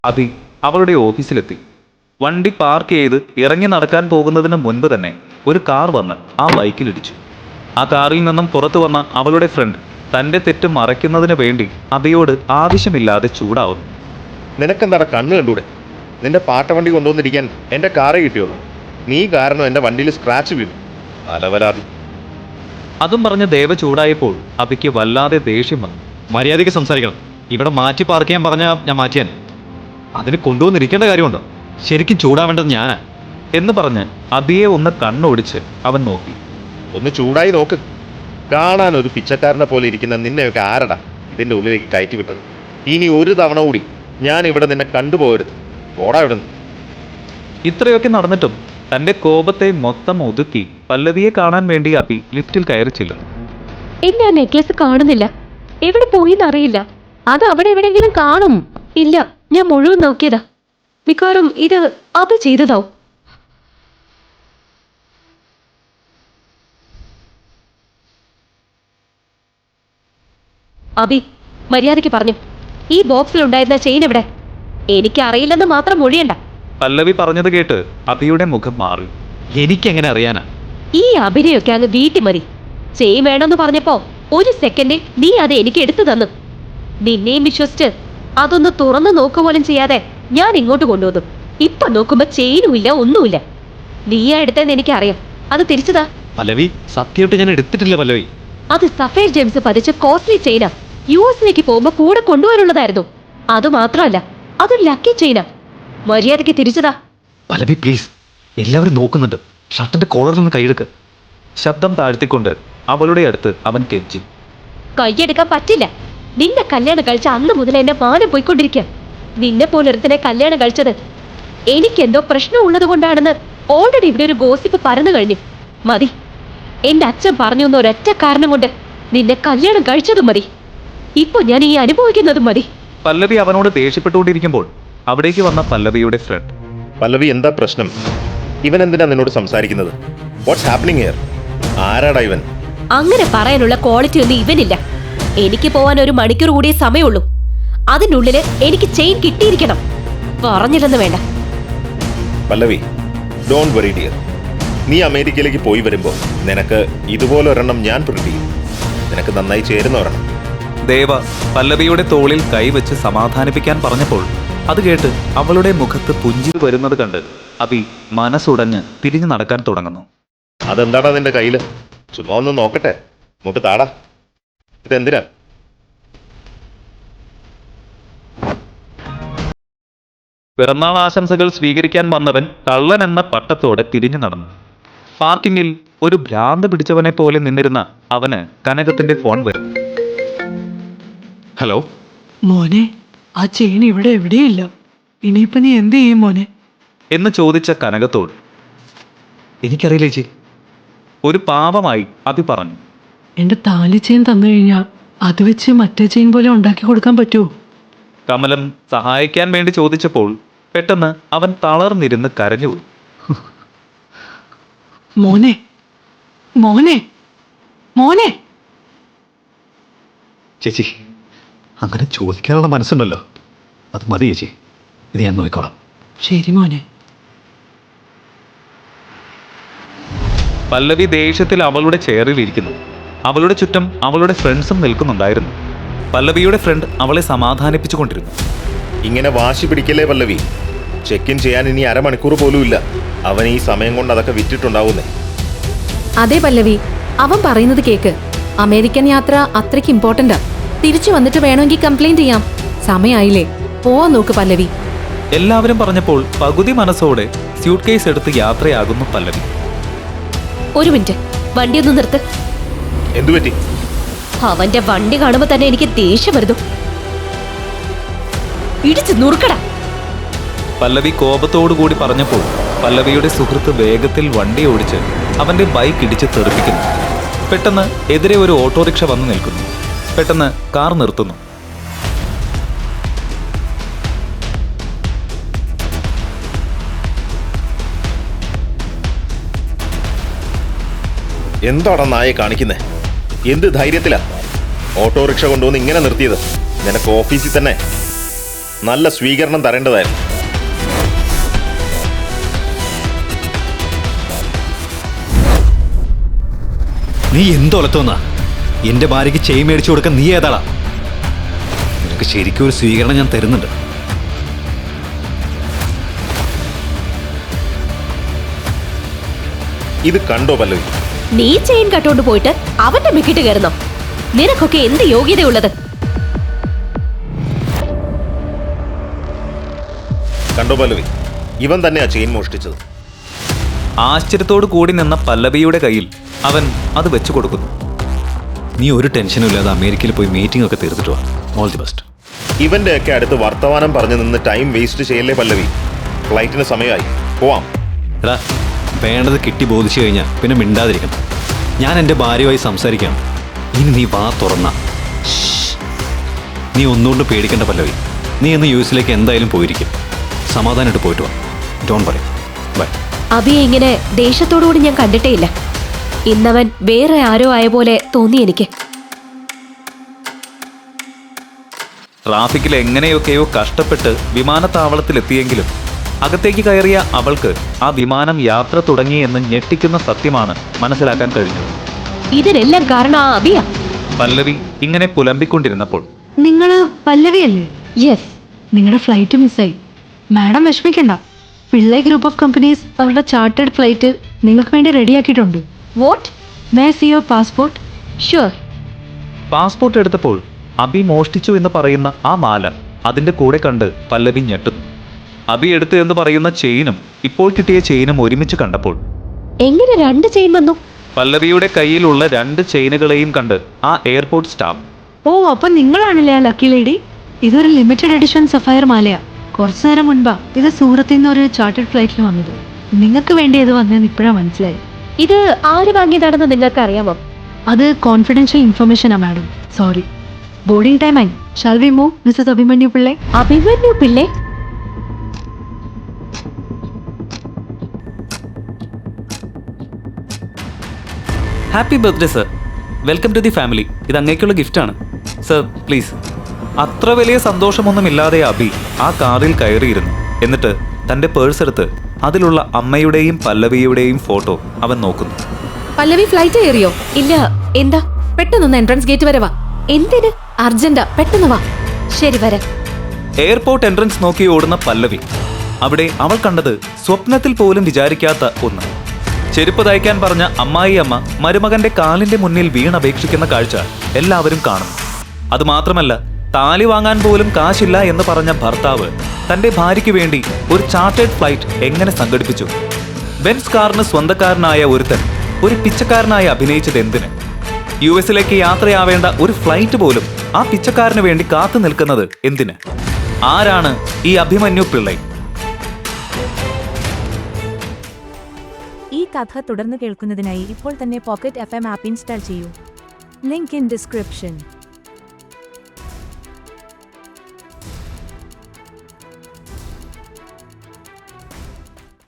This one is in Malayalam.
അഭി അവളുടെ ഓഫീസിലെത്തി. വണ്ടി പാർക്ക് ചെയ്ത് ഇറങ്ങി നടക്കാൻ പോകുന്നതിന് മുൻപ് തന്നെ ഒരു കാർ വന്ന് ആ ബൈക്കിലിടിച്ചു. ആ കാറിൽ നിന്നും പുറത്തു വന്ന അവളുടെ ഫ്രണ്ട് തൻ്റെ തെറ്റ് മറയ്ക്കുന്നതിന് വേണ്ടി അഭിയോട് ആവശ്യമില്ലാതെ ചൂടാവുന്നു. നിനക്കെന്താടാ കണ്ണ് കണ്ടൂടെ? നിന്റെ പാട്ട വണ്ടി കൊണ്ടുവന്നിരിക്കാൻ എൻ്റെ കാറേ കിട്ടിയുള്ളൂ. നീ കാരണം എൻ്റെ വണ്ടിയിൽ സ്ക്രാച്ച് വീണു. അലവലാതി. അതും പറഞ്ഞ് ദേവ ചൂടായപ്പോൾ അഭിക്ക് വല്ലാതെ ദേഷ്യം വന്നു. മര്യാദയ്ക്ക് സംസാരിക്കണം. ഇവിടെ മാറ്റി പാർക്ക് ചെയ്യാൻ പറഞ്ഞാൽ ഞാൻ മാറ്റിയാൻ. അതിന് കൊണ്ടുവന്നിരിക്കേണ്ട കാര്യമുണ്ടോ? ശരിക്കും ചൂടാവേണ്ടത് ഞാനാ എന്ന് പറഞ്ഞ് അഭിയെ ഒന്ന് കണ്ണോടിച്ച് അവൻ നോക്കി. ഒന്ന് ചൂടായി നോക്ക്. കാണാൻ ഒരു പിച്ചക്കാരനെ പോലെ ഇരിക്കുന്ന നിന്നെയൊക്കെ ആരടാ ഇതിൻ്റെ ഉള്ളിലേക്ക് കയറ്റി വിട്ടത്? ഇനി ഒരു തവണ കൂടി ഞാൻ ഇവിടെ നിന്നെ കണ്ടുപോകരുത്. ഓടാ ഇവിടെ നിന്ന്. ഇത്രയൊക്കെ നടന്നിട്ടും തൻ്റെ കോപത്തെ മൊത്തം ഒതുക്കി പല്ലവിയെ കാണാൻ വേണ്ടി അഭി ലിഫ്റ്റിൽ കയറി ചെല്ലുന്നു. ഇല്ല, നെക്ലസ് കാണുന്നില്ല. എവിടെ പോയിന്നറിയില്ല. അത് അവിടെ എവിടെയെങ്കിലും കാണും. ഇല്ല, ഞാൻ മുഴുവൻ നോക്കിയതാ. മിക്കവാറും ഇത് അത് ചെയ്തതാവും. അബി, മര്യാദയ്ക്ക് പറഞ്ഞു, ഈ ബോക്സിൽ ഉണ്ടായിരുന്ന ചെയിൻ എവിടെ? എനിക്കറിയില്ലെന്ന് മാത്രം മൊഴിയണ്ട. പല്ലവി പറഞ്ഞത് കേട്ട് അഭിയുടെ മുഖം മാറി. എനിക്കെങ്ങനെ അറിയാനാ? ഈ അഭിനയൊക്കെ അങ്ങ് വീട്ടിൽ മതി. ചെയിൻ വേണമെന്ന് പറഞ്ഞപ്പോ ഒരു സെക്കൻഡിൽ നീ അത് എനിക്ക് എടുത്തു തന്നു. നിന്നെയും വിശ്വസിച്ച് അതൊന്ന് തുറന്നു നോക്കുപോലും ചെയ്യാതെ ഞാൻ ഇങ്ങോട്ട് കൊണ്ടുവന്നു. ഇപ്പൊ നോക്കുമ്പോ ചെയിനും ഇല്ല, ഒന്നുമില്ല. നീയാ എടുത്തെന്ന് എനിക്കറിയാം. അത് തിരിച്ചതാ. പല്ലവി, സത്യമായിട്ട് ഞാൻ എടുത്തിട്ടില്ല പല്ലവി. അത് സഫേർ ജെയിംസ് പതിച്ച കോസ്റ്റ്ലി ചെയിനാ. US പോകുമ്പോ കൂടെ കൊണ്ടുവരുള്ളതായിരുന്നു. അത് മാത്രമല്ല, അതൊരു ലക്കി ചെയിനാ. മര്യാദയ്ക്ക് തിരിച്ചതാ. പല്ലവി പ്ലീസ്, എല്ലാവരും നോക്കുന്നുണ്ട്. ഷർട്ടിന്റെ കോളറിൽ നിന്ന് കൈയെടുക്ക്. ശബ്ദം താഴ്ത്തിക്കൊണ്ട് അവളുടെ അടുത്ത് അവൻ കെഞ്ചി. കൈയെടുക്കാൻ പറ്റില്ല. നിന്നെ കല്യാണം കഴിച്ച അന്ന് മുതൽ എന്റെ മാനം പോയിക്കൊണ്ടിരിക്കുക. നിന്നെ പോലൊരുത്തനെ കല്യാണം കഴിച്ചത് എനിക്കെന്തോ പ്രശ്നമുള്ളത് കൊണ്ടാണെന്ന് ഓൾറെഡി ഇവിടെ ഒരു ഗോസിപ്പ് പരന്നു കഴിഞ്ഞു. മതി. എന്റെ അച്ഛൻ പറഞ്ഞു എന്ന ഒരൊറ്റ കാരണം കൊണ്ട് നിന്നെ കല്യാണം കഴിച്ചതും മതി. ഇപ്പൊ ഞാൻ ഈ അനുഭവിക്കുന്നതും മതി. പല്ലവി അവനോട് ദേഷ്യപ്പെട്ടുകൊണ്ടിരിക്കുമ്പോൾ അവിടേക്ക് വന്ന പല്ലവിയുടെ ഫ്രണ്ട്. പല്ലവി, എന്താ പ്രശ്നം? ഇവൻ എന്തിനാ നിന്നോട് സംസാരിക്കുന്നത്? What's happening here? ആരാടാ ഇവൻ? അങ്ങനെ പറയാനുള്ള ക്വാളിറ്റി ഒന്നും ഇവനില്ല. എനിക്ക് പോവാൻ 1 മണിക്കൂർ കൂടിയേ സമയമുള്ളൂ. അതിനുള്ളില് എനിക്ക് ചെയിൻ കിട്ടിയിരിക്കണം. പറഞ്ഞില്ലെന്ന് വേണ്ട. Pallavi, don't worry dear. നീ അമേരിക്കയിലേക്ക് പോയി വരുമ്പോൾ നിനക്ക് ഇതുപോലെ ഒരെണ്ണം ഞാൻ പ്രിന്റ് ചെയ്യും. നിനക്ക് നന്നായി ചേരുന്ന ഒരെണ്ണം. ദേവ പല്ലവിയുടെ തോളിൽ കൈവച്ച് സമാധാനിപ്പിക്കാൻ പറഞ്ഞപ്പോൾ അത് കേട്ട് അവളുടെ മുഖത്ത് പുഞ്ചിരി വരുന്നത് കണ്ട് അഭി മനസ്സുടഞ്ഞ് തിരിഞ്ഞു നടക്കാൻ തുടങ്ങുന്നു. അതെന്താടാ നിന്റെ കയ്യില്? ചുമ്മാ ഒന്ന് നോക്കട്ടെ. നമുക്ക് താടാ. ഇതെന്തിനാ? പിറന്നാൾ ആശംസകൾ സ്വീകരിക്കാൻ വന്നവൻ കള്ളൻ എന്ന പട്ടത്തോടെ തിരിഞ്ഞു നടന്നു. പാർക്കിങ്ങിൽ ഒരു ഭ്രാന്ത് പിടിച്ചവനെ പോലെ നിന്നിരുന്ന അവന് കനകത്തിന്റെ ഫോൺ വരും. ഹലോ മോനെ, ആ ചെയിൻ ഇവിടെ എവിടെയില്ല. ഇനിയിപ്പോ നീ എന്ത് ചെയ്യും മോനെ? എന്ന് ചോദിച്ച കനകത്തോട് എനിക്കറിയില്ല ചേച്ചി. ഒരു പാപമായി അഭി പറഞ്ഞു. എന്റെ താലി ചെയിൻ തന്നു കഴിഞ്ഞാൽ അത് വെച്ച് മറ്റേ ചെയിൻ പോലെ ഉണ്ടാക്കി കൊടുക്കാൻ പറ്റുമോ? കമലം സഹായിക്കാൻ വേണ്ടി ചോദിച്ചപ്പോൾ പെട്ടെന്ന് അവൻ തളർന്നിരുന്ന് കരഞ്ഞുപോയി. മോനെ, മോനെ, മോനെ. ചേച്ചി, അങ്ങനെ ചോദിക്കാനുള്ള മനസ്സുണ്ടല്ലോ, അത് മതി ചേച്ചി. ഇത് ഞാൻ നോക്കിക്കോളാം. ശരി മോനെ. പല്ലവി ദേഷ്യത്തിൽ അവളുടെ ചെയറിൽ ഇരിക്കുന്നു. അവളുടെ ചുറ്റും അവളുടെ ഫ്രണ്ട്സും നിൽക്കുന്നുണ്ടായിരുന്നു. പല്ലവിയുടെ ഫ്രണ്ട് അവളെ സമാധാനിപ്പിച്ചുകൊണ്ടിരുന്നു. ഇങ്ങനെ വാശി പിടിക്കല്ലേ പല്ലവി. ചെക്ക് ഇൻ ചെയ്യാൻ ഇനി 1/2 മണിക്കൂർ പോലും ഇല്ല. അവൻ ഈ സമയം കൊണ്ട് അതൊക്കെ വിറ്റിട്ടുണ്ടാവുന്നേ. അതെ പല്ലവി, അവൻ പറയുന്നത് കേക്ക്. അമേരിക്കൻ യാത്ര അത്രയ്ക്ക് ഇമ്പോർട്ടന്റാ. തിരിച്ചു വന്നിട്ട് വേണമെങ്കിൽ കംപ്ലൈന്റ് ചെയ്യാം. സമയായില്ലേ, പോവാൻ നോക്ക് പല്ലവി. എല്ലാവരും പറഞ്ഞപ്പോൾ പകുതി മനസ്സോടെ സ്യൂട്ട് കേസ് എടുത്ത് യാത്രയാകുന്നു പല്ലവി. ഒരു മിനിറ്റ്, വണ്ടി ഒന്ന് നിർത്ത്. എന്തുപറ്റി? അവന്റെ വണ്ടി കാണുമ്പോ തന്നെ എനിക്ക് ദേഷ്യം വരുന്നു. ഇടിച്ചു നുറുക്കടാ. പല്ലവി കോപത്തോടു കൂടി പറഞ്ഞപ്പോൾ പല്ലവിയുടെ സുഹൃത്ത് വേഗത്തിൽ വണ്ടി ഓടിച്ച് അവന്റെ ബൈക്ക് ഇടിച്ച് തെറിപ്പിക്കുന്നു. പെട്ടെന്ന് എതിരെ ഒരു ഓട്ടോറിക്ഷ വന്നു നിൽക്കുന്നു. പെട്ടെന്ന് കാർ നിർത്തുന്നു. എന്താടാ നായെ കാണിക്കുന്നേ? എന്ത് ധൈര്യത്തിലാ ഓട്ടോറിക്ഷ കൊണ്ടുവന്ന് ഇങ്ങനെ നിർത്തിയത്? നിനക്ക് ഓഫീസിൽ തന്നെ നല്ല സ്വീകരണം തരേണ്ടതായിരുന്നു. നീ എന്തൊലത്തോന്നാ എന്റെ ഭാര്യയ്ക്ക് ചെയിൻ മേടിച്ചു കൊടുക്കാൻ നീ ഏതാളാ? നിനക്ക് ശരിക്കും ഒരു സ്വീകരണം ഞാൻ തരുന്നുണ്ട്. ഇത് കണ്ടോ പല്ലവി? നീ ചെയിൻ കട്ടോണ്ട് പോയിട്ട് അവന്റെ മെക്കിട്ട് കയറുന്നോ? നിനക്കൊക്കെ എന്ത് യോഗ്യതയുള്ളത്? കണ്ടോ പല്ലവി, ഇവൻ തന്നെയാ ചെയിൻ മോഷ്ടിച്ചത്. ആശ്ചര്യത്തോടു കൂടി നിന്ന പല്ലവിയുടെ കയ്യിൽ അവൻ അത് വെച്ചു കൊടുക്കുന്നു. നീ ഒരു ടെൻഷനും ഇല്ലാതെ അമേരിക്കയിൽ പോയി മീറ്റിംഗ് ഒക്കെ തീർത്തിട്ട് വാ. All the best. ഇവന്റെ ഒക്കെ അടുത്ത് വർത്തമാനം പറഞ്ഞു നിന്ന് ടൈം വേസ്റ്റ് ചെയ്യല്ലേ പല്ലവി. ഫ്ലൈറ്റിന് സമയമായി, പോവാം. എടാ, വേണ്ടത് കിട്ടി ബോധിച്ചു കഴിഞ്ഞാൽ പിന്നെ മിണ്ടാതിരിക്കണം. ഞാൻ എൻ്റെ ഭാര്യയുമായി സംസാരിക്കാം. ഇനി നീ വാ തുറന്ന. നീ ഒന്നുകൊണ്ട് പേടിക്കേണ്ട പല്ലവി. നീ ഇന്ന് യു എസിലേക്ക് എന്തായാലും പോയിരിക്കും. സമാധാനമായിട്ട് പോയിട്ട് വാ. ഡോണ്ട് പറയും. ബൈ. അബിയെ ഇങ്ങനെ ദേഷ്യത്തോടുകൂടി ഞാൻ കണ്ടിട്ടേ ഇല്ല. ഇന്നവൻ വേറെ ആരോ ആയ പോലെ തോന്നി എനിക്ക്. ട്രാഫിക്കിൽ എങ്ങനെയൊക്കെയോ കഷ്ടപ്പെട്ട് വിമാനത്താവളത്തിലെത്തിയെങ്കിലും അകത്തേക്ക് കയറിയ അവൾക്ക് ആ വിമാനം യാത്ര തുടങ്ങിയെന്ന് ഞെട്ടിക്കുന്ന സത്യമാണ് മനസ്സിലാക്കാൻ കഴിഞ്ഞത്. ഇതിനെല്ലാം കാരണം ആ അബിയ. പല്ലവി ഇങ്ങനെ പുലമ്പിക്കൊണ്ടിരുന്നപ്പോൾ നിങ്ങള് പല്ലവിയല്ലേ? യെസ്. നിങ്ങളുടെ ഫ്ലൈറ്റ് മിസ്സായി. മാഡം വിഷമിക്കണ്ട. പിള്ളേ ഗ്രൂപ്പ് ഓഫ് കമ്പനീസ് അവരുടെ ചാർട്ടേഡ് ഫ്ലൈറ്റ് നിങ്ങൾക്ക് വേണ്ടി റെഡിയാക്കിയിട്ടുണ്ട്. What? May see your passport? Sure. Passport എടുത്തപ്പോൾ അബി മോഷ്ടിച്ചു എന്ന് പറയുന്ന ആ മാല അതിന്റെ കൂടെ കണ്ട് പല്ലവി ഞെട്ടുന്നു. അബി എടുത്തു എന്ന് പറയുന്ന ചെയിനും ഇപ്പോൾ കിട്ടിയ ചെയിനും ഒരുമിച്ച് കണ്ടപ്പോൾ എങ്ങനെ 2 ചെയിൻ വന്നു? പല്ലവിയുടെ കയ്യിലുള്ള 2 ചെയിനുകളെയും കണ്ട് ആ എയർപോർട്ട് സ്റ്റാഫ് ഓ, അപ്പൊ നിങ്ങളാണല്ലേ ആ ലക്കി ലേഡി? ഇതൊരു ലിമിറ്റഡ് എഡിഷൻ സഫയർ മാലയാ. കുറച്ചു നേരം മുൻപാ ഇത് സൂറത്തിൽ നിന്ന് ഒരു ചാർട്ടേഡ് ഫ്ലൈറ്റിൽ വന്നത്. നിങ്ങൾക്ക് വേണ്ടി ഇത് വന്നതെന്ന് ഇപ്പോഴാണ് മനസ്സിലായി. ഇത് ആര് വാങ്ങിയതാണെന്ന് നിങ്ങൾക്ക് അറിയാമോ? അത് കോൺഫിഡൻഷ്യൽ ഇൻഫർമേഷനാ മാഡം. സോറി. ബോർഡിംഗ് ടൈം ആയി. Shall we move Mrs Abhimanyu Pillai? Abhimanyu Pillai? Happy birthday sir, welcome to the family. ഇത് അങ്ങേക്കുള്ള ഗിഫ്റ്റാണ് സർ, പ്ലീസ്. അത്ര വലിയ സന്തോഷമൊന്നുമില്ലാതെ അബി ആ കാറിൽ കയറിയിരുന്നു. എന്നിട്ട് തൻ്റെ പേഴ്സ് എടുത്ത് അതിലുള്ള അമ്മയുടെയും പല്ലവിയുടെയും ഫോട്ടോ അവൻ നോക്കുന്നു. പല്ലവി ഫ്ലൈറ്റ് കയറിയോ? ഇല്ല. എന്താ? പെട്ടെന്നൊന്ന് എൻട്രൻസ് ഗേറ്റ് വരെ വാ. എന്തിന്? അർജന്റാ, പെട്ടെന്ന് വാ. ശരി, വരാം. എയർപോർട്ട് എൻട്രൻസ് നോക്കി ഓടുന്ന പല്ലവി അവിടെ അവൾ കണ്ടത് സ്വപ്നത്തിൽ പോലും വിചാരിക്കാത്ത ഒന്ന്. ചെരുപ്പ് തയ്ക്കാൻ പറഞ്ഞ അമ്മായി അമ്മ മരുമകന്റെ കാലിന്റെ മുന്നിൽ വീണപേക്ഷിക്കുന്ന കാഴ്ച എല്ലാവരും കാണുന്നു. അതുമാത്രമല്ല, താലി വാങ്ങാൻ പോലും കാശില്ല എന്ന് പറഞ്ഞ ഭർത്താവ് തന്റെ ഭാര്യയ്ക്ക് വേണ്ടി ഒരു ചാർട്ടേഡ് ഫ്ലൈറ്റ് എങ്ങനെ സംഘടിപ്പിച്ചു? ബെൻസ് കാറിന് സ്വന്തക്കാരനായ ഒരുത്തൻ ഒരു പിച്ചക്കാരനായി അഭിനയിച്ചത് എന്തിന്? യു എസിലേക്ക് യാത്രയാവേണ്ട ഒരു ഫ്ലൈറ്റ് പോലും ആ പിച്ചക്കാരന് വേണ്ടി കാത്തു നിൽക്കുന്നത് എന്തിന്? ആരാണ് ഈ അഭിമന്യു പിള്ളൈ? ഈ കഥ തുടർന്ന് കേൾക്കുന്നതിനായി ഇപ്പോൾ തന്നെ പോക്കറ്റ് FM ആപ്പ് ഇൻസ്റ്റാൾ ചെയ്യൂ. Link in description.